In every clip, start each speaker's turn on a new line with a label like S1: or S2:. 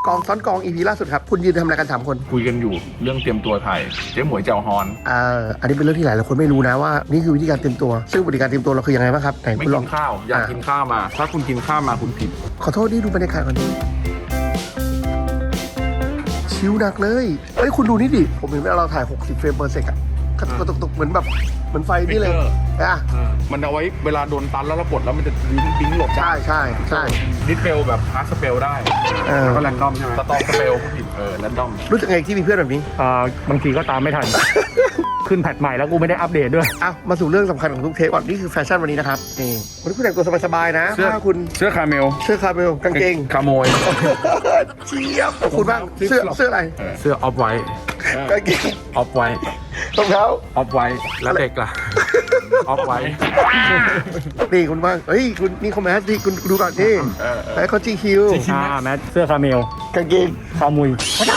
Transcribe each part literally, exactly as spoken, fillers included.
S1: กองซ้อนกอง อี พี ล่าสุดครับคุณยืนทำอะไรกันสามคน
S2: คุยกันอยู่เรื่องเตรียมตัวถ่ายเจ๊หมวยเจ้าฮอน
S1: อ่าอันนี้เป็นเรื่องที่หลายคนไม่รู้นะว่านี่คือวิธีการเตรียมตัวซึ่งวิธีการเตรียมตัวเราคือยังไงบ้างครับไหน
S2: ไม่
S1: คุณล
S2: กิ
S1: อง
S2: นข้าวอยากกินข้าวมาถ้าคุณกินข้าวมาคุณผิด
S1: ขอโทษนี่ดูบรรยากาศก่อนชิวหนักเลยเฮ้ยคุณดูนี่ดิผมเห็นเวลาเราถ่ายหกสิบเฟรมเปอร์เซกอะกระตุกตุกเหมือนแบบเหมือนไฟนี่เลยอ่ะ
S2: มันเอาไว้เวลาโดนตันแล้วเรากดแล้วมันจะบิ้งบิ้งหลบ
S1: ใช่ใช่ใช่
S2: ดิสเปลแบบฮาร์ดสเปลได้แล้วก็แรนดอมใช่ไหมสตอร์สเปลผู้ผิดเออแรนดอม
S1: รู้สึกไงที่มีเพื่อนแบบนี้
S3: อ่าบางทีก็ตามไม่ทัน ขึ้นแพทใหม่แล้วกูไม่ได้อัปเดตด้วย
S1: อ้าวมาสู่เรื่องสำคัญของทุกเทปก่อนนี่คือแฟชั่นวันนี้นะครับนี่วันนี้คุณแต่งตัวสบายๆนะเสื้อคุณ
S2: เสื้อคาเมล
S1: เสื้อคาเมลกางเกง
S2: คาโมย
S1: เจี๊ยบคุณบ้างเสื้อเสื้ออะไร
S2: เสื้อออฟไวท์
S1: กางเกง
S2: ออฟไวท์
S1: รองเท้า
S2: ออฟไวท์แล้วเด็กล่ะออฟไวท์
S1: นี่คุณบ้างเฮ้ยคุณนี่คอมเมนต์ที่คุณดูก่อนนี่ไอ้เขาจีคิว
S3: อ่าแมทเสื้อคาเมล
S1: กางเกง
S3: คามุย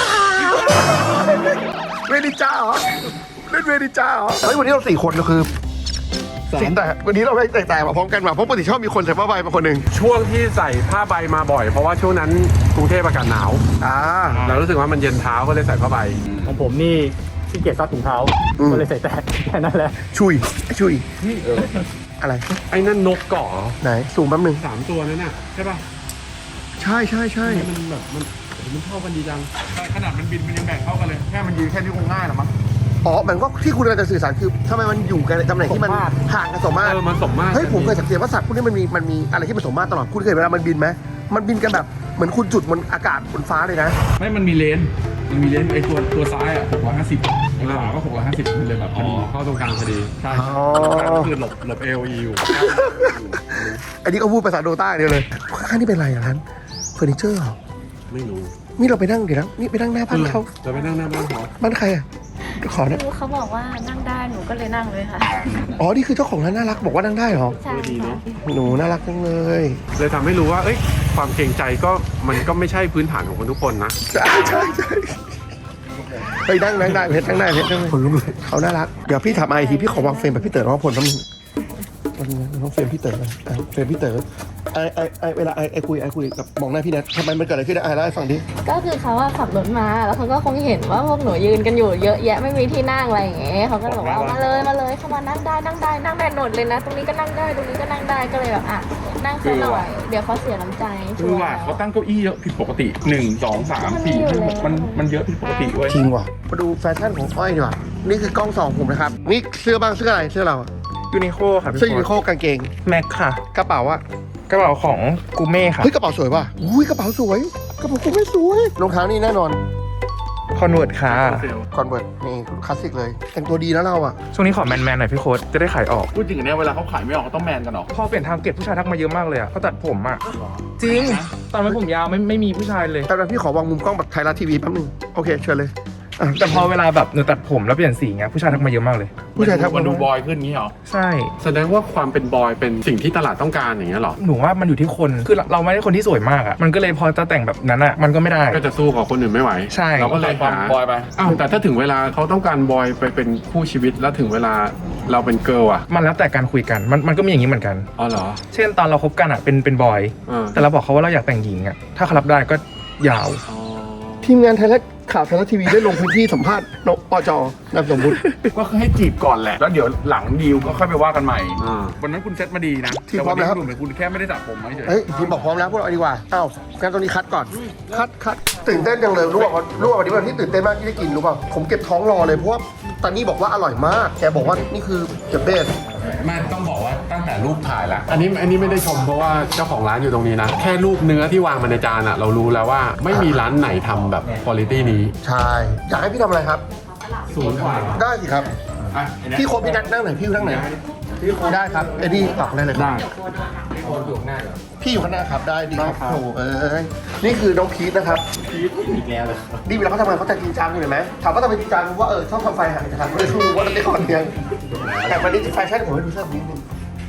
S1: เวนิจ้าเหรอเล่นเวนิจ้าเหรอเฮ้ยวันนี้เราสี่คนก็คือสิ่งแต่วันนี้เราไม่แตกต่างมาพร้อมกันมาเพราะปกติชอบมีคนใส่ผ้าใบมาคนหนึ่ง
S4: ช่วงที่ใส่ผ้าใบมาบ่อยเพราะว่าช่วงนั้นกรุงเทพอากาศหนาว
S1: อ่า
S4: เรารู้สึกว่ามันเย็นเท้าก็เลยใส่ผ้าใบ
S3: ของผมนี่ที่เกียจซักถุงเท้าก็เลยใส่แต่แค่นั้นแหละ
S1: ชุยชุย
S4: เออ
S1: อะไร
S4: ไอ้นั่นนกเกาะ
S1: ไหนสูงแป๊บนึง
S4: สามตัวนั่นน่ะใช่ป่ะ
S1: ใช่ใช่ใช่
S4: มันแบบมันมันเท่ากันดีจัง
S2: ขนาดมันบินมันยังแบ่งเท่ากันเลยแค่มันยืนแค่นี้คงง่ายหรอมั้ง
S1: อ๋อมันก็ที่คุณกำลังจะสื่อสารคือทำไมมันอยู่กันในตำแหน่งที่มันห่างกันสมมาตร
S4: เออมันสมมาตร
S1: เฮ้ยผมเคยสังเกตว่าสัตว์พวกนี้มันมีมันมีอะไรที่มันสมมาตรตลอดคุณเคยเวลามันบินไหมมันบินกันแบบเหมือนคุณจุดบนอากาศบนฟ้าเลยนะ
S2: ไม่มันมีเลนมันมีเลนไอตัวตัวซ้ายอ่ะหกร้อยห้าสิบไอขวาก็หกร้อยห้าสิบมันเลยแบบพอดี
S4: เข้าตรงกลางพอดี
S2: ใช่ก็คือหลบหลบเอลอยู่
S1: อันนี้ก็พูดภาษาโดต้าเดียวเลยข้างนี่เป็นอะไรอย่างนั้นเฟอร์นิเจอร์เหรอ
S4: ไม่รู้
S1: นี่เราไปนั่งเดี๋ยวนะนี่ไปนั่งหน้าบ้านเขา
S4: จะไปนั่งหน้าบ้านเขา
S1: บ้านใครอ่ะขอเนี่ย
S5: เขาบอกว่านั่งได้หนูก็เลยนั่งเลยค่ะ
S1: อ๋อนี่คือเจ้าของร้านน่ารักบอกว่านั่งได้เหรอ
S5: ใช่
S4: ดีเนาะ
S1: หนูน่ารักจังเลย
S4: เลยทำให้รู้ว่าเอ้ยความเกรงใจก็มันก็ไม่ใช่พื้นฐานของคนทุกคนนะ
S1: ใช่ใช่ใช่ไปนั่งนั่งได้เพชรนั่งได้เพชรนั่งคนลุกเลยเขาน่ารักเดี๋ยวพี่ถามไอทีพี่ขอวางเฟรมแบบพี่เต๋อร้องผลแป๊บนึงวันนี้น้องเฟรมพี่เต๋อเฟรมพี่เต๋อไอไอไอเวลาไอไอคุยไอคุยกับมองหน้าพี่แนททำไมมันเกิดอะไรขึ้นไอเล่าให้ฟังดิ
S5: ก็คือเขาว่าขับรถมาแล้วเขาก็คงเห็นว่าพวกหนูยืนกันอยู่เยอะแยะไม่มีที่นั่งอะไรอย่างเงี้ยเขาก็บอกว่ามาเลยมาเลยเข้ามานั่งได้นั่งได้นั่งได้หนดเลยนะตรงนี้ก็นั่งได้ตรงนี้ก็นั่งได้ก็เลยแบบอ่ะนั่งซะหน่อยเดี๋ยวเขาเสียน้ำใจ
S2: คือว่าเขาตั้งเก้าอี้เยอะผิดปกติหนึ่งสองสามสี่มันมันเยอะผิดปกติเว้ย
S1: จริงว่ะมาดูแฟชั่นของอ้อยดีกว่านี่คือกล้องสองผมนะครับนี่เสื้อบ้างเสื้ออะไรเสื้อเรา
S3: ยูนิโคครับ
S1: เสื้อยูนิโคกางเกง
S3: แม็กค่ะ
S1: กระเป๋าอะ
S3: กระเป๋าของกูเม่ค่ะ
S1: เฮ้ยกระเป๋าสวยป่ะอุ้ยกระเป๋าสวยกระเป๋ากูเม่สวยรองเท้านี่แน่นอน
S3: คอนเวิร์ตค่ะ
S1: คอนเวิร์ตนี่คลาสสิกเลยแต่งตัวดีนะเราอะ
S3: ช่วงนี้ขอแมนแมนหน่อยพี่โค้ดจะได้ขายออก
S2: พูดจริงเนี่ยเวลาเขาขายไม่ออกเขาต้องแมนกันหรอ
S3: พอเปลี่ยนทางเก็บผู้ชายทักมาเยอะมากเลยอะเขาตัดผมอะจริงตอนนั้นผมยาวไม่ไม่มีผู้ชายเลย
S1: แต่พี่ขอวางมุมกล้องแบบไทยรัฐทีวีแป๊บนึงโอเคเชิญเลย
S3: แต่พอเวลาแบบหนูตัดผมแล้วเปลี่ยนสีเงี้ยผู้ชายทักมาเยอะมากเลย
S1: ผู้ชายทัก
S2: มาดูบอยขึ้นงี้เหรอ
S3: ใช่
S4: แสดงว่าความเป็นบอยเป็นสิ่งที่ตลาดต้องการอย่างเงี้ยหรอ
S3: หนูว่ามันอยู่ที่คนคือเราไม่ได้คนที่สวยมากอ่ะมันก็เลยพอจะแต่งแบบนั้นอ่ะมันก็ไม่ได้
S4: ก็จะสู้กับคนอื่นไม่ไหว
S3: ใช่
S4: เราก็เลยหา
S2: บอยไป
S4: อ้าวแต่ถ้าถึงเวลาเขาต้องการบอยไปเป็นคู่ชีวิตแล้วถึงเวลาเราเป็นเกิร์ลอ่ะ
S3: มันแล้วแต่การคุยกันมันมันก็มีอย่างนี้เหมือนกัน
S4: อ๋อเหรอ
S3: เช่นตอนเราคบกันอ่ะเป็นเป็นบอยแต่เราบอกเขาว่าเราอยากแต่งหญิงอ่ะถ้าเขารับได้ก็ยาว
S1: ทีมงานไทยรัฐข่าวไทยรัฐทีวีได้ลงพื้นที่สัมภาษณ์นปจนามสมมุติ
S2: ก็คือให้จีบก่อนแหละแล้วเดี๋ยวหลังดีลก็ค่อยไปว่ากันใหม่วันนั้นคุณเซตมาดีนะ
S1: ทีมพร้อมแล้ว
S2: เหมือนคุณแค่ไม่ได้จับผมเฉย
S1: เฮ้ยทีมบอกพร้อมแล้วพวกเราดีกว่าอ้าวงั้นตรงนี้คัดก่อนคัดคัดตื่นเต้นจังเลยรู้ป่ะรู้ป่ะวันนี้วันที่ตื่นเต้นมากที่ได้กินรู้ป่ะผมเก็บท้องรอเลยเพราะว่าตอนนี้บอกว่าอร่อยมากแกบอกว่านี่คือเดอะเบส
S2: แม่ต้องบอกว่าตั้งแต่รูปถ่ายแล้ว
S4: อันนี้อันนี้ไม่ได้ชมเพราะว่าเจ้าของร้านอยู่ตรงนี้นะแค่รูปเนื้อที่วางมาในจานอะเรารู้แล้วว่าไม่มีร้านไหนทำแบบคุณภาพนี้
S1: ใช่อยากให้พี่ทำอะไรครับ
S4: ศูนย์กว่า
S1: ได้สิครับพี่โค้ชพี่นัทนั่งไหนพี่นั่งไหนได้ครับเอ็ดดี้ตอกได้เลย
S4: ได้
S1: พี่อยู่ข้างหน้าครับได้ดีครับโอ้เอ้ยนี่คือน้องพีทนะครับพีทอีกแล้วเลยดีเวลาเขาทำงานเขาจะจริงจังอยู่เห็นไหมถามว่าทำไมจริงจังว่าเออชอบทำไฟหายนะครับไม่รู้ว่าเป็นคนเดียวแต่วันนี้แฟชั่นผมให้ดูเสื้อนิดนึง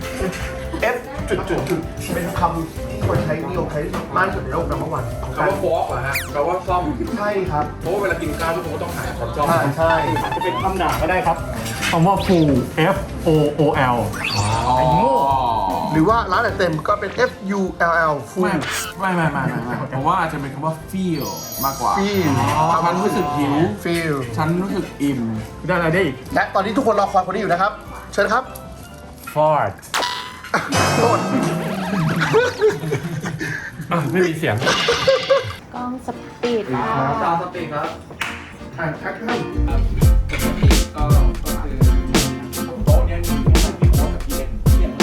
S1: F จุดจุดจุดเป็นคำที่คนใช้นิยมใช้มากที่สุดในโลกนัมเบอร์วัน
S2: คำว่าฟอกเหรอฮะแปลว่าซ่อม
S1: ใช่ครับ
S2: เพราะว่าเวลากินข้าวทุกคนก็ต้องหาคนซ่อม
S1: ใช่ใช่
S3: จะเป็นคำด่าก็ได้ครับคำว่า full F O O L
S1: ไอ้โง่รือว่าร้านอาหารเต็มก็เป็น F U L L ฟู
S2: ไม่ไม่ไม่ไม่ไม่ไม่ผมว่าอาจจะเป็นคำว่า feel มากกว่า
S1: Feel
S2: ฉันรู้สึกหิว
S1: ฟิล
S2: ฉันรู้สึกอิ่ม
S3: ได้อะไรได้อีก
S1: และตอนนี้ทุกคนรอคอยคนนี้อยู่นะครับ เชิญครับ
S3: Ford
S1: โทษ
S4: อ่ะไม่มีเสียง
S5: กล้องสปีดค่ะ
S2: จอสปีกครับ
S1: อ่านทักท่าน
S2: ก็ก็คือโต๊ะเนี้ยมีแค่พี่โค้ชกับพี่เอ็นพี่เอ็น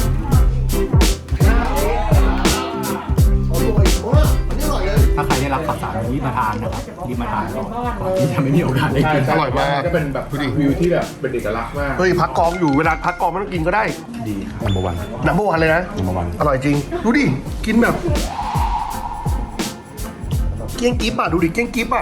S1: โอ้ยโอ้ยอันนี้อร่อยเลย
S6: ถ้าใครได้รับข่าวสารรีบมาทานนะครับรีบมาทานก่อนก่อนที่จะไม่มีโอกาสได้กิน
S1: อร่อยมาก
S2: ก็เป็นแบบวิวที่แบบเป็นเอกลักษณ์มาก
S1: เฮ้ยพักกองอยู่เวลาพักกองไม่ต้องกินก็ได้
S4: นัมเบอร์วัน
S1: น้ำเมื่อวานเลยนะ
S4: นัมเบอร์วัน
S1: อร่อยจริง ดูดิ กินแบบ เกี้ยงกิ๊บอ่ะ ดูดิ เกี้ยงกิ๊บอ่ะ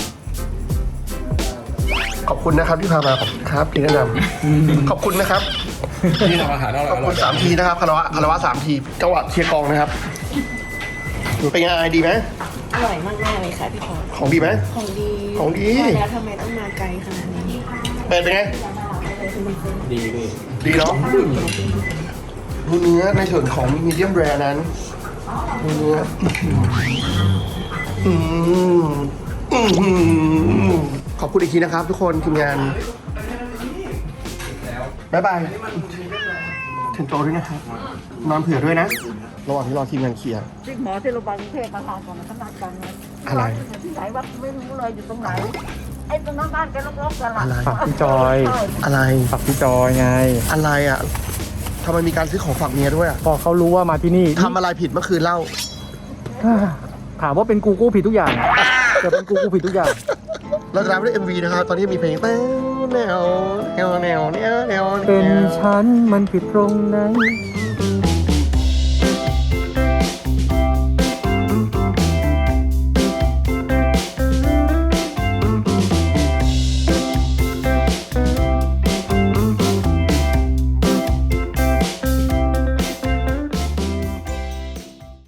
S1: ขอบคุณนะครับที่พามาขอบคุณครับที่แนะนำขอบคุณนะครับ
S2: ที่ทำอาหารอร่อย
S1: ขอบ
S2: อร่
S1: คุ
S2: อย
S1: ณสามทีนะครับคารวะคารวะสามทีจังหวะเชียร์กองนะครับเป็นไงดีไหม
S7: อร่อยมากๆเลยค่ะพี่พร
S1: ของดีไหม
S7: ของดี
S1: ของดี
S7: ว่าแล้วทำไมต้องมาไกลขนาดนี้
S1: เป็นเป็นไง
S2: ดีดี
S1: ดีเนาะดูเนื้อในส่วนของมีเดียมแรร์นั้นดูเนื้ออืมอืมอืมขอบคุณอีกทีนะครับ ทุกคนทีมงานบ๊ายบายถึงโตด้วยนะครับ นอนเผื่อด้วยนะ ระหว่างที่รอทีมงานเคลียร์
S8: ที่หมอที่โรงพยาบาลกรุงเทพมาทานก่อนนะขนาดกันนะ
S1: อะไร
S8: ที่ไหนวัดไม่รู้เลยอยู่ตรงไหน ไอ้ตรงนั้นบ้านแกลกๆกันละ
S1: อะไร
S3: ฝากพี่จอย
S1: อะไร
S3: ฝากพี่จอยไง
S1: อะไรอ่ะทำไมมีการซื้อของฝากเมียด้วยอ่ะ
S3: พอเขารู้ว่ามาที่นี่
S1: ทำอะไรผิดเมื่อคืนเล่า
S3: ถามว่าเป็นกูกูผิดทุกอย่างจะเป็นกูกูผิดทุกอย่าง
S1: เราจะรับด้วย เอ็ม วี นะครับ ตอนนี้มีเพลงแนวแนวแนวแนวแนวแนว
S3: เป็นฉันมันผิดตรงไหน
S1: อื